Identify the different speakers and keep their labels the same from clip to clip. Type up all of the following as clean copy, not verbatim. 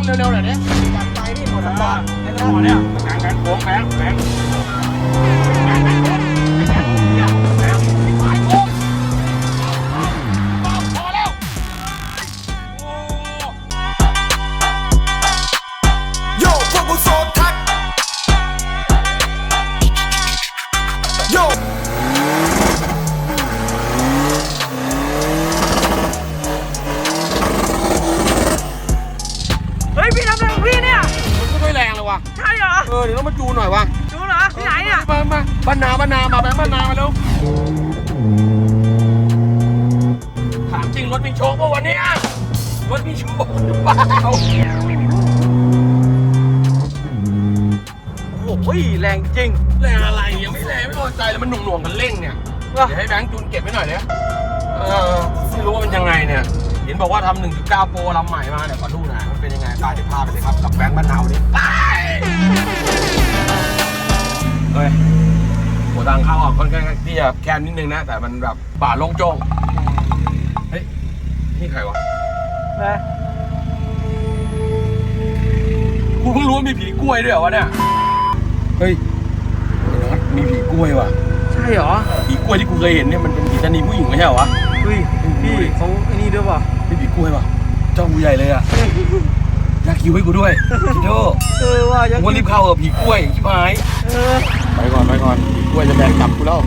Speaker 1: เร็วๆหน่อยดิจัดไปนี่หมดสปอร์ตไอ้สปอร์ตเนี่ยแบงโค้งแบง
Speaker 2: เฮ้ยพี่ทำอะไรของพี่เนี่ย
Speaker 1: มันก็ไม่แรงเลยว่ะ
Speaker 2: ใช่เหรอ
Speaker 1: เดี๋ยวต้องมาจูหน่อยวะ
Speaker 2: ดูเหรอที่ไหนเนี่ย
Speaker 1: มาบ้านนามาแบงค์บ้านนามาเร็วถามจริงรถมีโชคป่ะวันนี้รถมีโชคหรือเปล่าโอ้ยแรงจริงแรงอะไรยังไม่แรงไม่พอใจแล้วมันหน่วงกันเร่งเนี่ยเดี๋ยวให้แบงค์จูนเก็บไว้หน่อยเนี่ยไม่รู้ว่ามันยังไงเนี่ยเห็นบอกว่าทำ 1.9 โปรลำใหม่มาเนี่ยขอดูหน่อยมันเป็นยังไงตายเดี๋ยวพาไปเลยครับกับแบงค์บ้านนาวันนี้เฮ้ยโหทางเข้าออกค่อนข้างที่จะแคบนิดนึงนะแต่มันแบบป่าโล่งโจ้งเฮ้ยนี่ใครวะ
Speaker 2: นะ
Speaker 1: กูเพิ่งรู้ว่ามีผีกล้วยด้วยเหรอวะเนี่ยเฮ้ยมีผีกล้วยว่ะ
Speaker 2: ใช่เหรอ
Speaker 1: ผีกล้วยที่กูเคยเห็นเนี่ยมันเป็นผีชะนีผู้หญิงไม่ใช่เหรอวะ
Speaker 2: เฮ้ยพี่เขาไอ้นี่ด้วยป่ะ
Speaker 1: มีผีกล้วยว่ะจ้องกูใหญ่เลยอ่ะอยากคิวให้กูด้วยคิดดู
Speaker 2: ว่า
Speaker 1: ผมก็รีบเข้าผีกล้วยชิบหายไปก่อนผีกล้วยจะแบกกลับกูแล้ว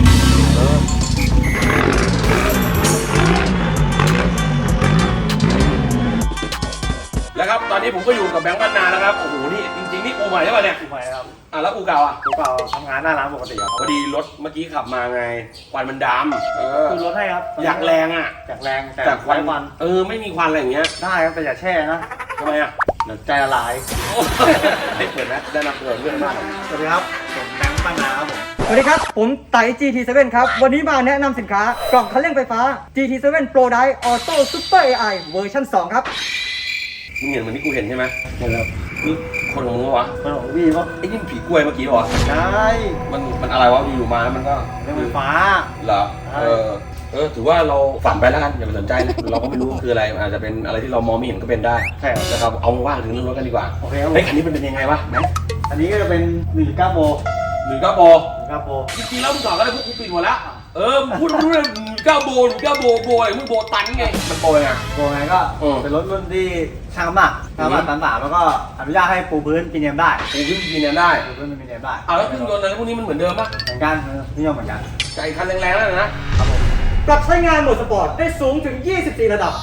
Speaker 1: แล้วครับตอนนี้ผมก็อยู่กับแบงค์บ้านนาแล้วครับโอ้โหนี่จริงๆนี่อูใหม่ใช่ป่ะเนี่ย
Speaker 2: ถูกไหมครับ
Speaker 1: แล้วอูเก่าอ่ะ
Speaker 2: ถูกเปล่าทำงานหน้าร้านปกติครับ
Speaker 1: พอดีรถเมื่อกี้ขับมาไงควันมันดำ
Speaker 2: คือรถให้ครับ
Speaker 1: อยากแรงอ่ะ
Speaker 2: อยากแรงแต่
Speaker 1: ควัน
Speaker 2: วัน
Speaker 1: ไม่มีควันอะไรอย่างเงี้ย
Speaker 2: ได้ครับแต่อย่าแช่นะ
Speaker 1: ทำไมอ่ะ
Speaker 2: เดี๋ยวใจละลาย
Speaker 1: ได้เปิดนะได้นำเปิดเรื่องมาก
Speaker 2: สวัสดีครับผมแบงค์ปัญนาครับผม
Speaker 3: สวัสดีครับ ผมไต่ GT7 ครับ วันนี้มาแนะนำสินค้ากล่องคันเร่งไฟฟ้า GT7 Pro Drive Auto Super AI เวอร์ชัน2 ครับ
Speaker 1: มึงเห็นเหมือนที่กูเห็นใช่ไหม
Speaker 2: เห็นครับ
Speaker 1: นี่คนของมึงวะ
Speaker 2: มันของพี่ปะ
Speaker 1: ไอ้นี่มันผีกล้วยเมื่อกี้วะ
Speaker 2: ใช่
Speaker 1: มันอะไรวะอยู่มาแล้วมันก็
Speaker 2: เรื่องไฟฟ้า
Speaker 1: เหรอ
Speaker 2: ใช่
Speaker 1: ถือว่าเราฝันไปแล้วกันอย่าไปสนใจนะเราก็ไม่รู้คืออะไรอาจจะเป็นอะไรที่เรามองไม่เห็นก็เป็นได้
Speaker 2: ใช่ครับ
Speaker 1: นะครับเอาว่าถึงเรื่องรถกันดีกว่า
Speaker 2: โอเคครับผม
Speaker 1: เฮ้ยคันนี้มันเป็นยังไงวะไหน
Speaker 2: อันนี้ก็จะเป็น1.9โปร
Speaker 1: หรือก้าโบ
Speaker 2: 1.9โปร
Speaker 1: จริงๆแล้วมึงสอนก็ได้พวกกูปิดหมดแล้วมึงพูดรู้เลยก้าโบหรือก้าโบอะไรมึงโบตันไงมันโบยังไง
Speaker 2: โปรไงก็เป็นรถรุ่นที่ช่างน้ำหนักตันสามแล้วก็อนุญาตให้ปูพื้นปีเนียมได้
Speaker 1: กูขึ้นกินเนี่ยได้
Speaker 2: ปูพื้นเป็นปีเนียมได้
Speaker 1: แล้วเครื่องยนต์อะไรพวกนี้มันเหมือนเดิมปะ
Speaker 2: เหมือนกันนิยมเหมือนกัน
Speaker 1: ไก่คันแรงๆแล้วนะ
Speaker 2: ครับผม
Speaker 3: ปรับใช้งานโหมดสปอร์ตได้สูงถึง 24 ระดับ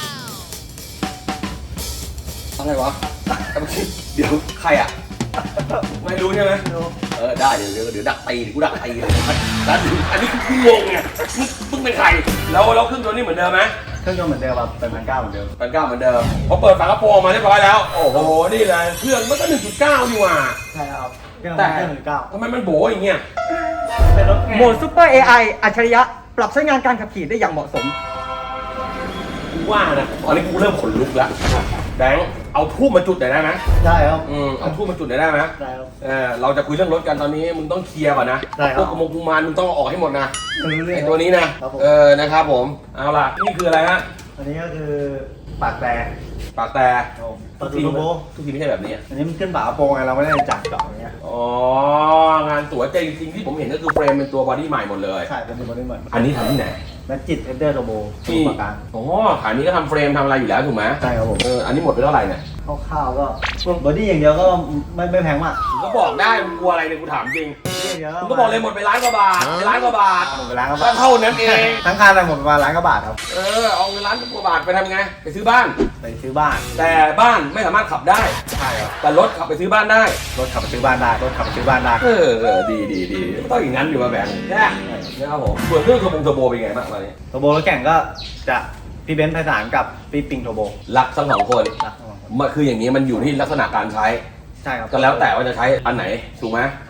Speaker 1: อะไรวะเดี๋ยวใครอ่ะไม่รู้ใช่ไหมได้เดี๋ยวดักตีกูดักตีเลยแล้วอันนี้กูงงไงมึงเป็นใครแล้วเครื่องยนต์นี่เหมือนเดิมไหม
Speaker 2: เครื่องยนต์เหมือนเดิมแบบเป็น1.9เหมือนเดิม
Speaker 1: 1.9เหมือนเดิมพอเปิดฝากระโปรงมาเรียบร้อยแล้วโอ้โหนี่เลยเครื่องมันก็ 1.9 นี่หว่า
Speaker 2: ใช่ครับเครื่อง
Speaker 1: แต่
Speaker 2: 1.9
Speaker 1: ทำไมมันโบอย่างเงี้ย
Speaker 2: เป็นรถ
Speaker 3: โหมด Super AI อัจฉริยะ ปรับใช้งานการขับขี่ได้อย่างเหมาะสม
Speaker 1: กูว่านะตอนนี้กูเริ่มขนลุกแล้วแบงค์เอาทูบมาจุดหน่อยได้ไหม
Speaker 2: ได้ครับ
Speaker 1: เอาทูบมาจุดหน่อยได้ไหม
Speaker 2: ได้ครับ
Speaker 1: เราจะคุยเรื่องรถกันตอนนี้มึงต้องเคลียร์ก่อนนะ
Speaker 2: ได้ครับ
Speaker 1: พวกกระมงกุมารมึงต้องเอาออกให้หมดนะ
Speaker 2: รู้เรื่อง
Speaker 1: ไอตัวนี้นะครับ
Speaker 2: ผม
Speaker 1: นะครับผมเอาล่ะนี่คืออะไรฮะ
Speaker 2: อันนี้ก็คือปากแต่
Speaker 1: ปากแต่
Speaker 2: ตัวทูโบ
Speaker 1: ทุกทีไม่ใช่แบบนี้
Speaker 2: อันนี้มันขึ้นฝากระโปรงไงเราไม่ได้จัดเจาะอย่างเงี้ย
Speaker 1: อ๋องานสวยแต่จริงๆที่ผมเห็นก็คือเฟรมเป็นตัวบอดี้ใหม่หมดเลย
Speaker 2: ใช่เป็นตัวนี้เหมือน
Speaker 1: อันนี้ทำที่ไหน
Speaker 2: แมจิตเอเดอร์โรโบ
Speaker 1: ที่
Speaker 2: ปากกลาง
Speaker 1: อ๋อขายนี้ก็ทำเฟรมทำอะไรอยู่แล้วถูกไหม
Speaker 2: ใช่ครับผม
Speaker 1: อันนี้หมดไปเท่าไหร่เนี่ย
Speaker 2: คร่าวๆก็บอดี้อย่างเดียวก็ไม่แพงมาก
Speaker 1: มึงก็บอกได้มึงกลัวอะไรเนี่ยกูถามจริง
Speaker 2: อย่างเดียว
Speaker 1: มึงก็บอกเลยหมดไป1,000,000 กว่าบาท1,000,000 กว่าบาท
Speaker 2: หมดไปล้านกว่า
Speaker 1: ก็
Speaker 2: บาท
Speaker 1: เท่านั้นเอง
Speaker 2: ทั้งคันเลยหมดประมาณ1,000,000 กว่าบาทครับ
Speaker 1: เอาเงิน1,000,000 กว่าบาทไปทำไงไปซื้อบ้าน
Speaker 2: ไปซื้อบ้าน
Speaker 1: แต่บ้านไม่สามารถขับได้
Speaker 2: ใช่ครับ
Speaker 1: แต่รถขับไปซื้อบ้านได้
Speaker 2: รถขับไปซื้อบ้านได้รถขับไปซื้อบ้านได้
Speaker 1: ดีต้องอย่างนั้นอยู่มาแบงค์แค่นะครับผมส่วนเรื่องเทอร์โบเป็นไงบ้างตอนนี้
Speaker 2: โรโบรถแข่งก็จะพี่เบนซ์ไพศาลกับพี่ปิงโทโบ
Speaker 1: รักทั้งสองคน
Speaker 2: นะ
Speaker 1: มันคืออย่างนี้มันอยู่ที่ลักษณะการใช้
Speaker 2: ใช่ครับ
Speaker 1: ก็แล้วแต่ว่าจะใช้อันไหนถูกไหม
Speaker 2: ค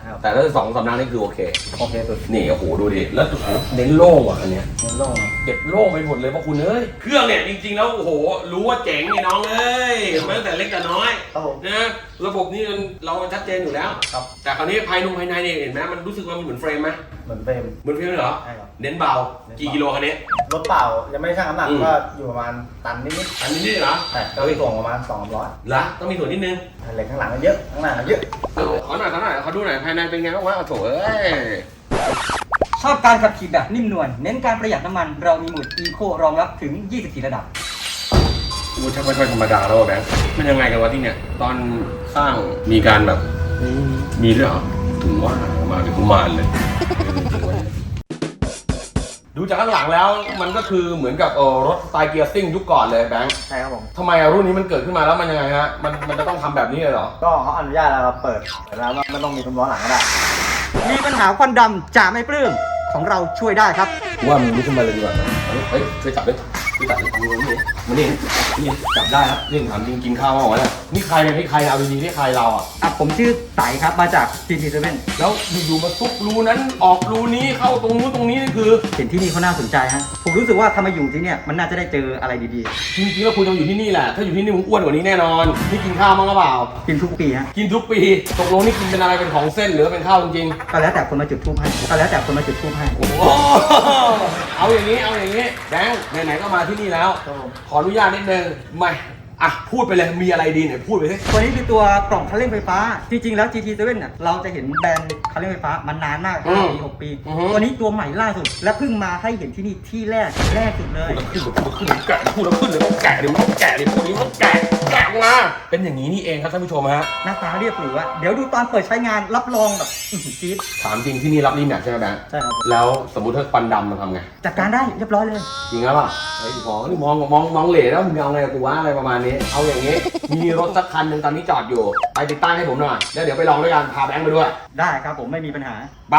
Speaker 2: ครับ
Speaker 1: แต่ถ้า2 สำนักนี่คือโอเค
Speaker 2: โอเคสุด
Speaker 1: นี่โอ้โหดูดิแล้วโอ้โหเน้นโล่งว่ะอันเนี้ย
Speaker 2: มันโล่ง
Speaker 1: เก็บโล่งไปหมดเลยเพราะคุณเอ้ยเครื่องเนี่ยจริงๆแล้วโอ้โหรู้ว่าเจ๋งไงน้องเอ้ยมาตั้งแต่เล็กแต่น้อย
Speaker 2: ครับผม
Speaker 1: นะระบบนี่เราชัดเจนอยู่แล้ว
Speaker 2: ครับ
Speaker 1: แต่คราวนี้ภายในเนี่ยเห็นไหมมันรู้สึกว่ามันเหมือนเฟรมไหม
Speaker 2: เหมือนเฟรม
Speaker 1: เหมือนเฟรมเลยเหรอ
Speaker 2: ใช่ครับ
Speaker 1: เน้นเบากี่กิโลคันนี้
Speaker 2: รถเปล่ายังไม่ได้ชั่งน้ำหนัก
Speaker 1: อืม
Speaker 2: ก็อยู่ประมาณตันนิด
Speaker 1: อันนี้นี่เหรอ
Speaker 2: ๆแต่ก็ส่งประมาณ200
Speaker 1: เหรอต้องมีส่วนนิดนึง
Speaker 2: เหล็กข้างหลังก็เยอะข้างหน้าก็เยอะ
Speaker 1: ขอหน่อยขอดูหน่อยภายในเป็นไงบ้างวะโอ้โถเอ้ย
Speaker 3: ชอบการขับขี่แบบนิ่มนวลเน้นการประหยัดน้ำมันเรามีโหมด Eco รองรับถึง 24 ระดับ
Speaker 1: กูช่างไม่ค่อยธรรมดาแล้วแบงค์มันยังไงกันวะที่เนี่ยตอนสร้างมีการแบบมีด้วยเหรอถึงว่ามาเป็นกุมารเลย ดูจากข้างหลังแล้วมันก็คือเหมือนกับรถสไตล์เกียร์ซิ่งยุคก่อนเลยแบงค์
Speaker 2: ใช่ครับผม
Speaker 1: ทำไมรุ่นนี้มันเกิดขึ้นมาแล้วมันยังไงฮะมันจะต้องทำแบบนี้เลยเหรอ
Speaker 2: ก็เขาอนุญาตแล้วเราเปิดแล้วว่าไม่ต้องมีซุ้มล้อหลังก็ได้
Speaker 3: มีปัญหาควันดำจะไม่ปลื้มของเราช่วยได้ครับ
Speaker 1: ว่ามึงลุกขึ้นมาเลยดีกว่านะเฮ้ยช่วยจับด้วยช่วยจับดิมือนี่จับได้ครับนี่ถามจริงกินข้าวมาหรอเนี่ยนี่ใครเนี่ยนี่ใครเอาดีๆนี่ใครเราอ่ะ
Speaker 3: ผมชื่อไต่ครับมาจาก GT7
Speaker 1: แล้วอยู่ๆมาซุกรูนั้นออกรูนี้เข้าตรงนู้นตรงนี้นี่คือ
Speaker 3: เห็นที่นี่เขาน่าสนใจฮะผมรู้สึกว่าถ้ามาอยู่ที่เนี่ยมันน่าจะได้เจออะไรดี
Speaker 1: จริงๆแล้วคุณต้องอยู่ที่นี่แหละถ้าอยู่ที่นี่มึงอ้วนกว่านี้แน่นอนนี่กินข้าวมั้งหรือเปล่า
Speaker 3: ๆ กินทุกปีฮะ
Speaker 1: กินทุกปีตกลงนี่กินเป็นอะไรเป็นของเส้นหรือเป็นข้าวจริง
Speaker 3: ก็แล้วแต่คนมาจุดทูบให้ก็แล้วแต่คนมาจุดทูบให้
Speaker 1: ๆโอ้โหเอาอย่างนี้แบงค์ไหนๆก็มาที่นี่แล้ว
Speaker 2: ครับผม
Speaker 1: ขออนุญาตนิดนึงไม่อ่ะพูดไปเลยมีอะไรดีไหนพูดไปสิ
Speaker 3: ตัวนี้คือตัวกล่องคันเร่งไฟฟ้า จริงๆ แล้ว GT7 เนี่ยเราจะเห็นแบรนด์คันเร่งไฟฟ้ามานานมาก5 ปี 6 ปี ตัวนี้ตัวใหม่ล่าสุด และเพิ่งมาให้เห็นที่นี่ที่แรกสุดเลย
Speaker 1: พูดแล้วขึ้นเลยแกะดิมันต้องแกะดิพูดนี้มันต้องแกะมาเป็นอย่างนี้นี่เองครับท่านผู้ชมฮะ
Speaker 3: หน้าตาเรียบหรูอะเดี๋ยวดูตอนเปิดใช้งานรับรองแบบจี๊ด
Speaker 1: ถามจริงที่นี่รับรีแมทใช่ไหมแบงค์
Speaker 2: ใช่ครับผม
Speaker 1: แล้วสมมุติถ้าควันดำมันทำไง
Speaker 3: จัดการได้เรียบร้อยเลย
Speaker 1: จริงหรือเปล่าไอ้หมอนี่มองเหล่แล้วมึงเอาไงกับกูวะอะไรประมาณนี้ เอาอย่างนี้ มีรถสักคันหนึ่งตอนนี้จอดอยู่ ไปติดตั้งให้ผมหน่อย แล้วเดี๋ยวไปลองด้วยกัน พาแบงค์ไปด้วย
Speaker 3: ได้ครับผมไม่มีปัญหา
Speaker 1: ไป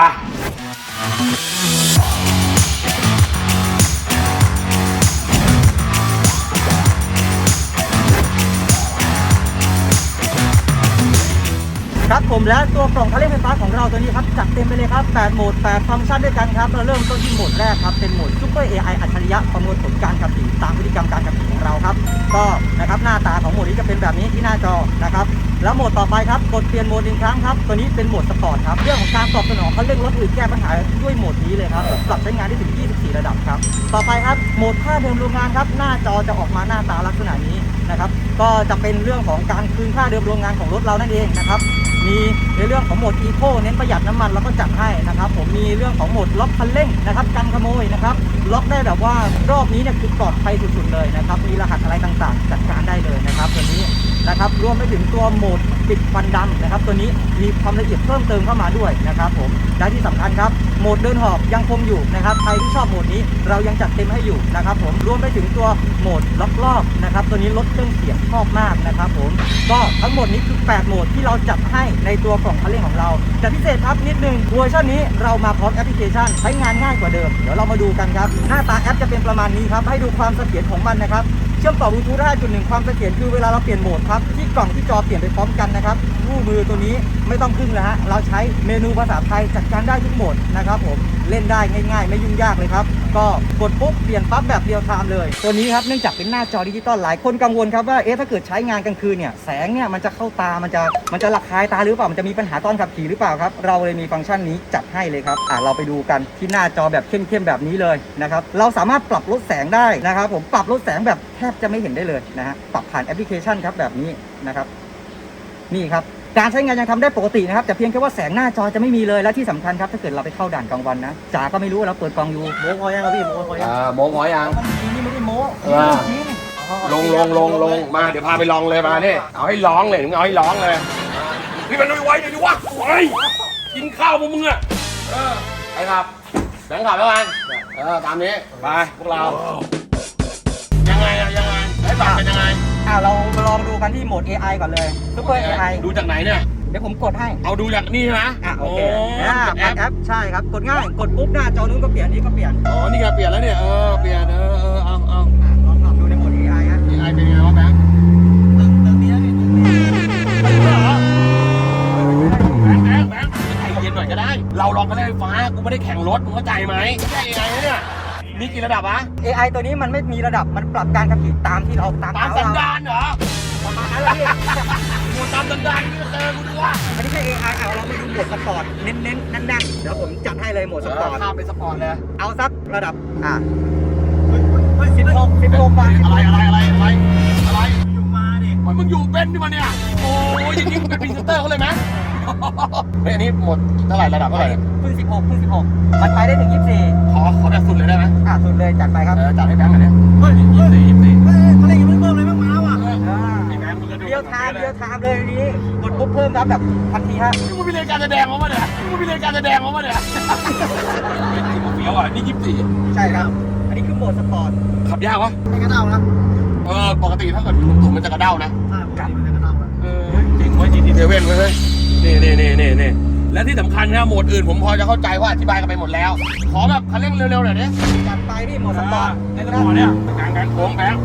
Speaker 3: ครับผมและตัวกล่องคันเร่งไฟฟ้าของเราตัวนี้ครับจัดเต็มไปเลยครับ8โหมด8ฟังก์ชันด้วยกันครับเราเริ่มต้นที่โหมดแรกครับเป็นโหมด Super AI อัจฉริยะประมวลผลการขับขี่ตามพฤติกรรมการขับขี่ของเราครับก็นะครับหน้าตาของโหมดนี้จะเป็นแบบนี้ที่หน้าจอนะครับแล้วโหมดต่อไปครับกดเปลี่ยนโหมด1ครั้งครับตัวนี้เป็นโหมดสปอร์ตครับเรื่องของการตอบสนองคันเร่งรถอื่นแก้ปัญหาด้วยโหมดนี้เลยครับปรับใช้งานได้ถึง24 ระดับครับต่อไปครับโหมดค่าเดิมโรงงานครับหน้าจอจะออกมาหน้าตาลักษณะนี้นะครับก็จะเป็นเรื่องของการคืนค่าเดิมโรงงานของรถเรานั่นเองนะครับมีในเรื่องของโหมด Eco เน้นประหยัดน้ำมันเราก็จัดให้นะครับผมมีเรื่องของโหมดล็อกคันเร่งนะครับกันขโมยนะครับล็อกได้แบบว่ารอบนี้เนี่ยคือปลอดภัยสุดๆเลยนะครับมีรหัสอะไรต่างๆจัดการได้เลยนะครับตัวนี้นะครับรวมไปถึงตัวโหมดปิดควันดำนะครับตัวนี้มีความละเอียดเพิ่มเติมเข้ามาด้วยนะครับผมและที่สำคัญครับโหมดเดินหอบยังคงอยู่นะครับใครที่ชอบโหมดนี้เรายังจัดเต็มให้อยู่นะครับผมรวมไปถึงตัวโหมดล็อกรอบนะครับตัวนี้ลดเครื่องเสียงชอบมากนะครับผมก็ทั้งหมดนี้คือ8โหมดที่เราจัดให้ในตัวกล่องคันเร่งของเราแต่พิเศษครับนิดนึงเวอร์ชันนี้เรามาพร้อมแอปพลิเคชันใช้งานง่ายกว่าเดิมเดี๋ยวเรามาดูกันครับหน้าตาแอปจะเป็นประมาณนี้ครับให้ดูความเสถียรของมันนะครับเชื่อมต่อบลูทูธ 5.1 ความเสถียรคือเวลาเราเปลี่ยนโหมดครับที่กล่องที่จอเปลี่ยนไปพร้อมกันนะครับคู่มือตัวนี้ไม่ต้องพึ่งแล้วฮะเราใช้เมนูภาษาไทยจัดการได้ทุกโหมดนะครับผมเล่นได้ง่ายๆไม่ยุ่งยากเลยครับก็กดปุ๊บเปลี่ยนปั๊บแบบเรียลไทม์เลยตัวนี้ครับเนื่องจากเป็นหน้าจอดิจิตอลหลายคนกังวลครับว่าถ้าเกิดใช้งานกลางคืนเนี่ยแสงเนี่ยมันจะเข้าตามันจะระคายตาหรือเปล่ามันจะมีปัญหาตอนขับขี่หรือเปล่าครับเราเลยมีฟังก์ชันนี้จัดให้เลยครับเราไปดูกันที่หน้าจอแบบเข้มๆแบบนี้เลยนะครับเราสามารถปรับลดแสงได้นะครับผมปรับลดแสงแบบแทบจะไม่เห็นได้เลยนะฮะปรับผ่านแอปพลิเคชันครับแบบนี้นะครับนี่ครับการใช้งานยังทำได้ปกตินะครับแต่เพียงแค่ว่าแสงหน้าจอจะไม่มีเลยและที่สำคัญครับถ้าเกิดเราไปเข้าด่านกลางวันนะจ๋าก็ไม่รู้ว่าเราเปิดกล้องอยู่
Speaker 2: โม้พอยังครับพี่โม้พอยัง
Speaker 1: โมงหมอยัง
Speaker 3: มันนี่ไม่ได้โม้
Speaker 1: จริง ลงมาเดี๋ยวพาไปลองเลยมาเนี่ยเอาให้ร้องเลยมึงเอาให้ร้องเลยพี่มันไว้ดิวะไว้กินข้าวมึงอ่ะไปครับแบงค์ขับแล้วกันตามนี้ไปพวกเรายังไงให้ปรับเป็นยังไง
Speaker 3: เรามาลองดูกันที่โหมด AI ก่อนเลย Super AI
Speaker 1: ดูจากไหนเนี่ย
Speaker 3: เดี๋ยวผมกดให้
Speaker 1: เอาดูจากนี่ใช่ไหม
Speaker 3: โอเค
Speaker 1: แอ
Speaker 3: แอปใช่ครับกดง่ายกดปุ๊บหน้าจอนู้นก็เปลี่ยนนี้ก็เปลี่ยน
Speaker 1: อ๋อนี่ไงเปลี่ยนแล้วเนี่ยเปลี่ยนเอา
Speaker 3: ลองปรับดูในโหมด AI ฮะ
Speaker 1: AI เป็นไงวะแบงค์
Speaker 2: ตึงนี้นะพี่ตึงนี้
Speaker 1: ไปดูเหรอแบงค์ไหมใช่ AI นะเนี่ยมีกี่ระดับวะ
Speaker 3: AI ตัวนี้มันไม่มีระดับมันปรับการขับขี่ตามที่เราตาม
Speaker 1: ตามสันดานเหรอ
Speaker 3: ประมาณนั้นแหละพี่
Speaker 1: กูตามสันดานนี่ก็เจอกูดูว่า
Speaker 3: อันนี้แค่ AI เอาเรามาดูโหมดสปอร์ตเน้นๆนั่นๆเดี๋ยวผมจัดให้เลยโหมดสปอร์ต
Speaker 1: ข้ามเป็นสปอร์ตเลย
Speaker 3: เอาสักระดับ16บาท
Speaker 1: อะไร
Speaker 2: อยู่มาดิ
Speaker 1: มึงอยู่เป็นดิมาเนี่ยโอ้ยจริงๆมึงเป็นพรีเซนเตอร์เขาเลยไหมเฮ้ยอันนี้หมดเท่าไหร่ระดับเท่าไหร่
Speaker 3: เพิ่ง16มันไปได้ถึง24
Speaker 1: ขอแบบสุดเลยได้ไหม
Speaker 3: สุดเลยจัดไปครับ
Speaker 1: จัดให้แบงค์กันเนี่ย
Speaker 2: เฮ้ย
Speaker 1: 24
Speaker 2: เขาเล่นยังไม่เพิ่มเลยบ้างมาว่ะ
Speaker 1: ไอ้แบงค์มึงก็ดู
Speaker 3: เดียวไทม์เลยนี้กดปุ๊บเพิ่มรับแบบทันทีฮะ
Speaker 1: นี่มึงมีรายการแสดงมาเนี่ยมึงมีรายการแสดงมาเนี่ยไอ้เฟี้ยวอ่ะนี่24
Speaker 3: ใช่ครับ อันนี้คือโหมดสปอร์ต
Speaker 1: ขับยากวะ
Speaker 2: ไม่กระเด้านะ
Speaker 1: ปกติถ้าเกิดถุงมันจะกระเด้านะ
Speaker 2: ใช่ปกติมันจะกระเด้านะ
Speaker 1: จริงเว้ย GT7 เว้ยเฮ้ยนี่และที่สำคัญนะโหมดอื่นผมพอจะเข้าใจว่าอธิบายกันไปหมดแล้ว ขอแบบคันเร่งเร็วๆหน่อยดิ
Speaker 3: จัดไปพี่โหมดสปอร์ต
Speaker 1: ในสปอร์ตเนี่ยแบงค์โค้งแบงค์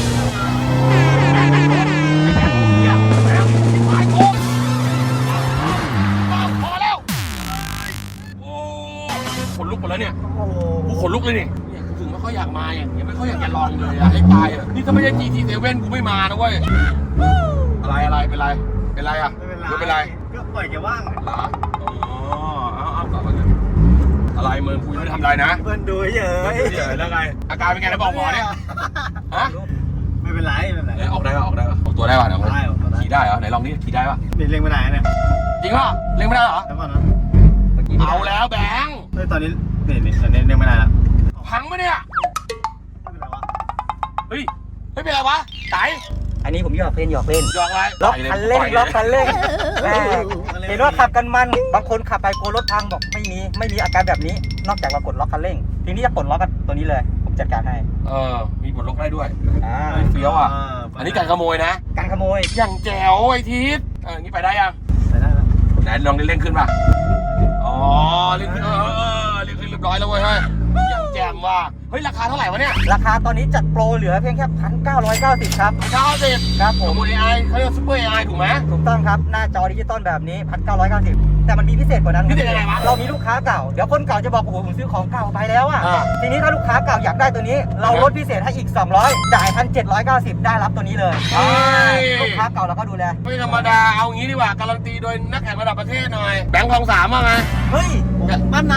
Speaker 1: พอแล้วโอ้ขนลุกหมดแล้วเนี่ย
Speaker 2: โอ้โห
Speaker 1: กูขนลุกเลยนี่กูถึงไม่ค่อยอยากมาอย่างเงี้ยไม่ค่อยอยากจะลองเลยอะให้ตายอะนี่ถ้าไม่ใช่ GT7 กูไม่มานะเว้ยอะไรเป็นไรอะ
Speaker 2: ไม่เป็นไรก็ปล่อยแกว่าง
Speaker 1: เหรอเอาต่อมาเลยอะไรมึงกูยังไม่ได้ทำอะไรนะ
Speaker 2: เพื่อนดูเฉย
Speaker 1: เฉยแล้วไงอาการเป็นไงนะบอกหมอเนี่ยฮะ
Speaker 2: ไม่เป็นไรไม่เป็นไร
Speaker 1: ออกได้ป่ะออกตัวได้ป่ะเดี๋ยว
Speaker 2: ได้ออกตัวได้
Speaker 1: ขี่ได้เหรอไหนลองนี่ขี่ได้ป่ะ
Speaker 2: นี่เล่งไม่ได้เนี่ย
Speaker 1: จริงป่ะเล่นไม่ได้เหรอ
Speaker 2: แล้วก่อนนะ
Speaker 1: เอาแล้วแบงค์
Speaker 2: เฮ้ยตอนนี้นี่ตอนนี้เล่งไม่ได้แล้ว
Speaker 1: พังปะเนี่ย
Speaker 2: ไม่เป็นไรวะ
Speaker 1: เฮ้ยไม่เป็นไรวะไก่
Speaker 3: อันนี้ผมหยอกเล่น
Speaker 1: ยองอะไร
Speaker 3: ล็อกคันเร่งแม่เห็นว่าขับกันมันบางคนขับไปกลัวรถพังบอกไม่มีอาการแบบนี้ นอกจากเรากดล็อกคันเร่งทีนี้จะปลดล็อกกันตัวนี้เลยผมจัดการให้
Speaker 1: มีบทล็อกได้ด้วย
Speaker 3: อ่า
Speaker 1: เฟี้ยวอ่ะอันนี้การขโมยนะ
Speaker 3: การขโมย
Speaker 1: อย่างแจ๋วไอ้ทิศงี้ไปได้ยัง
Speaker 2: ไปได้แล้ว
Speaker 1: ไหนลองเร่งขึ้นป่ะอ๋อเร่งขึ้นเร่งขึ้นเรียบร้อยแล้วเว้ยเฮ้ยยังแจ่มว่ะเฮ้ยราคาเท่าไหร่วะเนี่ย
Speaker 3: ราคาตอนนี้จัดโปรเหลือเพียงแค่ 1,990 ครับ
Speaker 1: 90
Speaker 3: ครับผ
Speaker 1: ข
Speaker 3: ม
Speaker 1: โมย AI เขาเรียกซุปเปอร์ AI ถูกไหม
Speaker 3: ถูกต้องครับหน้าจอดิจิตอลแบบนี้ 1,990 แต่มันมีพิเศษกว่านั้น
Speaker 1: พิเศษยังไงวะ
Speaker 3: เรามีลูกค้าเก่าเดี๋ยวคนเก่าจะบอกโอ้โหผมซื้อของเก่าไปแล้วอ่ะ
Speaker 1: อ่า
Speaker 3: ทีนี้ถ้าลูกค้าเก่าอยากได้ตัวนี้ เราลดพิเศษให้อีก 200 จ่าย 1,790 ได้รับตัวนี้เลยลูกค้าเก่าเราก็ดูแล
Speaker 1: ไม่ธรรมดาเอางี้ดีกว่าการันตีโดยนักแข่งระดับประเทศหน่อยแบงค์ทองสามว่าไง
Speaker 3: เฮ้ย
Speaker 2: บ้านนา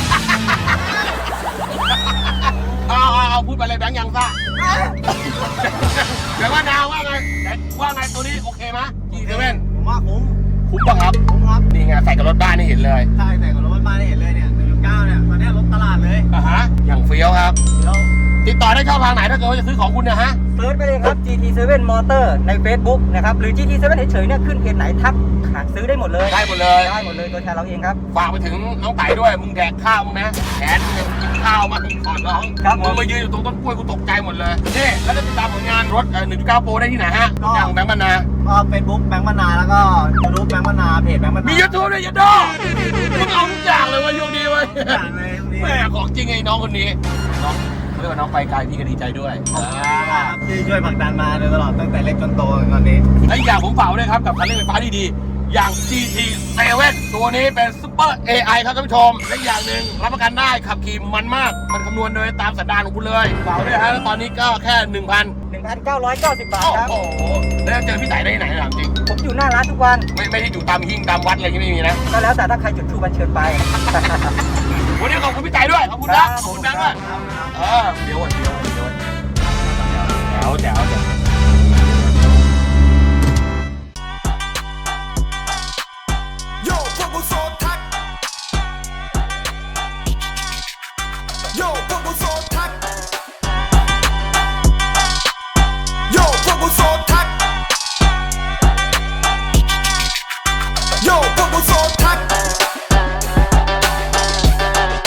Speaker 1: เอาพูดไปเลยแบงค์ยังซ่าเดี๋ยวว่าดาวว่าไงตัวนี้โอเคไหมกี่เซเว่น
Speaker 2: ผมว่าคุ้ม
Speaker 1: คุ้มป่ะครับ
Speaker 2: คุ้มครับ
Speaker 1: นี่ไงใส่กับรถบ้านนี่เห็นเลย
Speaker 2: ใช่แต่กับรถบ้านได้เห็นเลยเนี่ย1.9เนี่ยตอนนี้รถตลาดเลย
Speaker 1: อย่างเฟี้ยวครับ
Speaker 2: แล้ว
Speaker 1: ติดต่อได้ช่องทางไหนถ้าเกิดว่าจะซื้อของคุณเนี่ยฮะ
Speaker 3: เซิร์ชไปเลยครับ GT7 Motor ใน Facebook นะครับหรือ GT7 เฉยๆเนี่ยขึ้นเพจไหนทักหาซื้อได้หมดเลย
Speaker 1: ได้หมดเลย
Speaker 3: ได้หมดเลยตัวแทนเราเองครับ
Speaker 1: ฝากไปถึงน้องไต่ด้วยมึงแดกข้าวมึงนะแขนมึงกินข้าวมาก่อนน้อง
Speaker 3: ครับผม
Speaker 1: มึงมายืนอยู่ตรงต้นกล้วยกูตกใจหมดเลยนี่แล้วจะติดตามผลงานรถ1.9 โปรได้ที่ไหนฮะอย่างแบงค์บรรณา
Speaker 2: ก็เฟซบุ๊กแบงค์มนาแล้วก็ยูทูบแบงค์มนาเพจแบงค์มนา
Speaker 1: มี
Speaker 2: มี
Speaker 1: ยูทูบด้วยยันดอมึงเอาทุกอย่างเลยวันโยกดีเว้ย
Speaker 2: อย่างเลยตรงนี้
Speaker 1: แม่ของจริงไอ้น้องคนนี้น้องเขาเรียกว่าน้องไปไกลพี่ก็ดีใจด้วย
Speaker 2: ที่ช่วยผลักดันมาโดยตลอดตั้งแต่เล็กจนโตตอนนี้
Speaker 1: ไอ้อย่างผมฝากไว้ด้วยครับกับคันเร่งไฟฟ้าดีๆอย่าง GT7 ตัวนี้เป็นซุปเปอร์ AI ครับท่านผู้ชมและอย่างหนึ่งรับประกันได้ขับขี่มันมากมันคำนวณโดยตามสันดานของคุณเลยฝากไว้ด้วยฮะแล้วตอนนี้ก็แค่
Speaker 3: 1,990 บาท
Speaker 1: โอ้
Speaker 3: ครับ
Speaker 1: โหแล้วเจอพี่ไต่ได้ที่ไหนถามจริง
Speaker 3: ผมอยู่หน้าร้านทุกวัน
Speaker 1: ไม่ได้อยู่ตามหิ้งตามวัดอะไรอย่างงี้ไม่มีนะ
Speaker 3: ก็แล้วแต่ถ้าใครจุดทูบันเชิญไป
Speaker 1: วันนี้ขอบคุณพี่ไต่ด้วยขอบคุณนะขอบคุณแบงค์ด้วยเดี๋ยว